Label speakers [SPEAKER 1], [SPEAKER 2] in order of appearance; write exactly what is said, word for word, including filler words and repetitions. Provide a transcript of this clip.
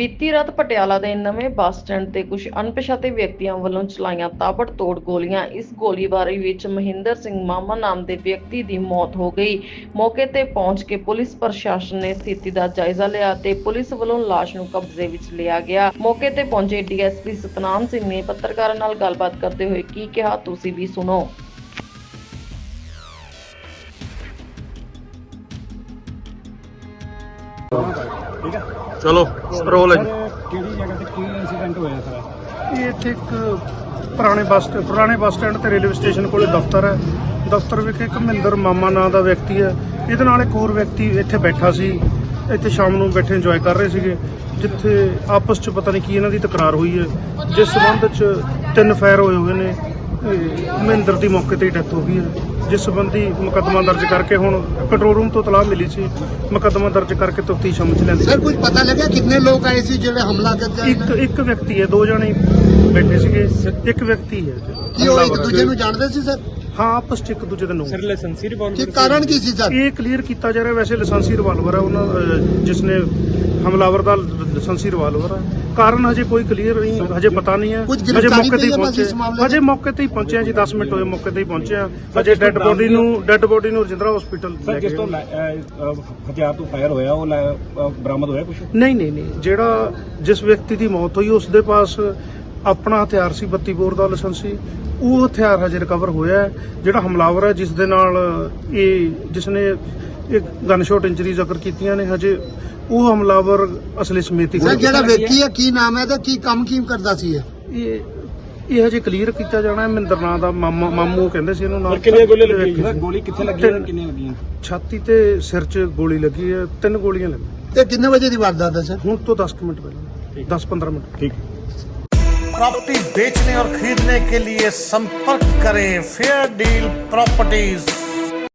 [SPEAKER 1] ਬੀਤੀ ਰਾਤ ਪਟਿਆਲਾ ਦੇ ਨਵੇਂ ਬੱਸ ਸਟੈਂਡ ਤੇ ਕੁਝ ਅਣਪਛਾਤੇ ਵਿਅਕਤੀਆਂ ਵੱਲੋਂ ਚਲਾਈਆਂ ਤਾਬੜਤੋੜ ਗੋਲੀਆਂ। ਇਸ ਗੋਲੀਬਾਰੀ ਵਿੱਚ ਮਹਿੰਦਰ ਸਿੰਘ ਮਾਮਾ ਨਾਮ ਦੇ ਵਿਅਕਤੀ ਦੀ ਮੌਤ ਹੋ ਗਈ। ਮੌਕੇ ਤੇ ਪਹੁੰਚ ਕੇ ਪੁਲਿਸ ਪ੍ਰਸ਼ਾਸਨ ਨੇ ਸਥਿਤੀ ਦਾ ਜਾਇਜ਼ਾ ਲਿਆ ਤੇ ਪੁਲਿਸ ਵੱਲੋਂ ਲਾਸ਼ ਨੂੰ ਕਬਜ਼ੇ ਵਿੱਚ ਲਿਆ ਗਿਆ। ਮੌਕੇ ਤੇ ਪਹੁੰਚੇ D S P Satnam Singh ਨੇ ਪੱਤਰਕਾਰਾਂ ਨਾਲ ਗੱਲਬਾਤ ਕਰਦੇ ਹੋਏ ਕੀ ਕਿਹਾ, ਤੁਸੀਂ ਵੀ ਸੁਣੋ।
[SPEAKER 2] ठीक है
[SPEAKER 3] चलो रोल है जी।
[SPEAKER 2] ਕਿਹੜੀ ਜਗ੍ਹਾ ਤੇ ਕੀ ਇਨਸੀਡੈਂਟ ਹੋਇਆ ਸਰ?
[SPEAKER 4] ਇਹ ਇੱਥੇ ਇੱਕ ਪੁਰਾਣੇ ਬੱਸ ਪੁਰਾਣੇ ਬੱਸ ਸਟੈਂਡ ਤੇ ਰੇਲਵੇ ਸਟੇਸ਼ਨ ਕੋਲੇ ਦਫ਼ਤਰ ਹੈ। ਦਫ਼ਤਰ ਵਿਖੇ ਇੱਕ ਮਹਿੰਦਰ ਮਾਮਾ ਨਾਂ ਦਾ ਵਿਅਕਤੀ ਹੈ। ਇਹਦੇ ਨਾਲ ਇੱਕ ਹੋਰ ਵਿਅਕਤੀ ਇੱਥੇ ਬੈਠਾ ਸੀ। ਇੱਥੇ ਸ਼ਾਮ ਨੂੰ ਬੈਠੇ ਇੰਜੋਏ ਕਰ ਰਹੇ ਸੀਗੇ, ਜਿੱਥੇ ਆਪਸ 'ਚ ਪਤਾ ਨਹੀਂ ਕੀ ਇਹਨਾਂ ਦੀ ਤਕਰਾਰ ਹੋਈ ਹੈ, ਜਿਸ ਸੰਬੰਧ 'ਚ ਤਿੰਨ ਫਾਇਰ ਹੋਏ ਹੋਏ ਨੇ। ਮਹਿੰਦਰ ਦੀ ਮੌਕੇ ਤੇ ਹੀ ਡੈਥ ਹੋ ਗਈ ਹੈ, ਜਿਸ ਸੰਬੰਧੀ ਮੁਕੱਦਮਾ ਦਰਜ ਕਰਕੇ ਹੁਣ ਕੰਟਰੋਲ ਰੂਮ ਤੋਂ ਤਲਾਹ ਮਿਲੀ ਸੀ। ਮੁਕੱਦਮਾ ਦਰਜ ਕਰਕੇ ਤਫਤੀਸ਼ ਅਮਲ 'ਚ ਲੈਂਦੀ।
[SPEAKER 5] सर कुछ पता लगा कितने लोग आए थे जो हमला करते
[SPEAKER 4] ਇੱਕ ਇੱਕ ਵਿਅਕਤੀ ਹੈ, ਦੋ ਜਣੇ ਬੈਠੇ ਸੀਗੇ, ਇੱਕ ਵਿਅਕਤੀ ਹੈ।
[SPEAKER 5] कि वो एक दूसरे ਨੂੰ ਜਾਣਦੇ ਸੀ ਸਰ?
[SPEAKER 4] ਹਾਂ, ਆਪਸ 'ਚ ਇੱਕ ਦੂਜੇ ਦੇ ਨੂੰ
[SPEAKER 2] ਸਰ ਲਾਇਸੈਂਸੀ
[SPEAKER 5] ਕੀ
[SPEAKER 2] ਰਿਵਾਲਵਰ
[SPEAKER 5] ਕਾਰਨ ਕੀ ਸੀ ਸਰ?
[SPEAKER 4] ਇਹ ਕਲੀਅਰ ਕੀਤਾ ਜਾ ਰਿਹਾ। ਵੈਸੇ ਲਾਇਸੈਂਸੀ ਰਿਵਾਲਵਰ ਹੈ ਉਹਨਾਂ ਅਹ, ਜਿਸ ਨੇ ਹਮਲਾਵਰ ਦਾ ਲਾਇਸੈਂਸੀ ਰਿਵਾਲਵਰ ਹੈ। ਕਾਰਨ ਹਜੇ ਕੋਈ ਕਲੀਅਰ ਨਹੀਂ, ਹਜੇ ਪਤਾ ਨਹੀਂ ਹੈ।
[SPEAKER 5] ਕੁਝ
[SPEAKER 4] ਹਜੇ
[SPEAKER 5] ਗ੍ਰਿਫਤਾਰੀ
[SPEAKER 4] ਮੌਕੇ ਤੇ ਹੀ
[SPEAKER 5] ਪਈ ਹੈ
[SPEAKER 4] ਪਹੁੰਚੇ
[SPEAKER 5] ਇਸ ਮਾਮਲੇ
[SPEAKER 4] ਹਜੇ ਮੌਕੇ ਤੇ ਹੀ ਪਹੁੰਚੇ ਆ ਜੀ। ਦਸ ਮਿੰਟ ਹੋਏ ਮੌਕੇ ਤੇ ਹੀ ਪਹੁੰਚੇ ਆ। ਹਜੇ ਡੈੱਡ ਬੋਡੀ ਨੂੰ ਡੈੱਡ ਬੋਡੀ ਨੂੰ ਰਜਿੰਦਰਾ ਹਸਪੀਟਲ
[SPEAKER 2] ਸਰ ਜਿਸ ਤੋਂ ਲੈ- ਅਹ, ਅਹ, ਹਥਿਆਰ ਤੋਂ ਫਾਇਰ ਹੋਇਆ ਉਹ ਲੈ- ਅਹ, ਬਰਾਮਦ ਹੋਇਆ ਕੁਝ?
[SPEAKER 4] ਨਹੀਂ ਨਹੀਂ ਨਹੀਂ ਜਿਹੜਾ ਜਿਸ ਵਿਅਕਤੀ ਦੀ ਮੌਤ ਹੋਈ ਉਸ ਦੇ ਪਾਸ ਆਪਣਾ ਹਥਿਆਰ ਸੀ, ਬੱਤੀ ਬੋਰ ਦਾ ਲਾਇਸੈਂਸ ਸੀ। ਉਹ ਹਥਿਆਰ ਹਜੇ ਰਿਕਵਰ ਹੋਇਆ ਹੈ। ਜਿਹੜਾ ਹਮਲਾਵਰ ਹੈ, ਜਿਸ ਦੇ ਨਾਲ ਇਹ ਜਿਸ ਨੇ ਇਹ ਗਨ ਸ਼ਾਟ ਇੰਜਰੀਜ਼ ਅਕਰ ਕੀਤੀਆਂ ਨੇ, ਹਜੇ ਉਹ ਹਮਲਾਵਰ ਅਸਲੇ ਸਮੇਤ ਹੀ
[SPEAKER 5] ਸਰ ਜਿਹੜਾ ਵਿਅਕਤੀ ਹੈ ਕੀ ਨਾਮ ਹੈ ਤੇ ਕੀ ਕੰਮ ਕੀ ਕਰਦਾ ਸੀ ਇਹ?
[SPEAKER 4] ਇਹ ਇਹ ਹਜੇ ਕਲੀਅਰ ਕੀਤਾ ਜਾਣਾ ਹੈ। ਮਹਿੰਦਰ ਨਾਂ ਦਾ ਮਾਮਾ ਮਾਮੂ ਕਹਿੰਦੇ ਸੀ ਇਹਨੂੰ। ਨਾਲ
[SPEAKER 2] ਕਿੰਨੀਆਂ ਗੋਲੀਆਂ ਲੱਗੀਆਂ ਸਰ? ਗੋਲੀ ਕਿੱਥੇ ਲੱਗੀ ਹੈ? ਕਿੰਨੀਆਂ ਲੱਗੀਆਂ?
[SPEAKER 4] ਛਾਤੀ ਤੇ ਸਿਰ 'ਚ ਗੋਲੀ ਲੱਗੀ ਹੈ। ਤਿੰਨ ਗੋਲੀਆਂ ਲੱਗੀਆਂ।
[SPEAKER 5] ਤੇ ਕਿੰਨੇ ਵਜੇ ਦੀ ਵਾਰਦਾਤ ਹੈ ਸਰ?
[SPEAKER 4] ਹੁਣ ਤੋਂ ਦਸ ਕੁ ਮਿੰਟ ਪਹਿਲਾਂ, ਦਸ ਪੰद्रह ਮਿੰਟ।
[SPEAKER 2] ਠੀਕ।
[SPEAKER 6] प्रॉपर्टी बेचने और खरीदने के लिए संपर्क करें फेयर डील प्रॉपर्टीज।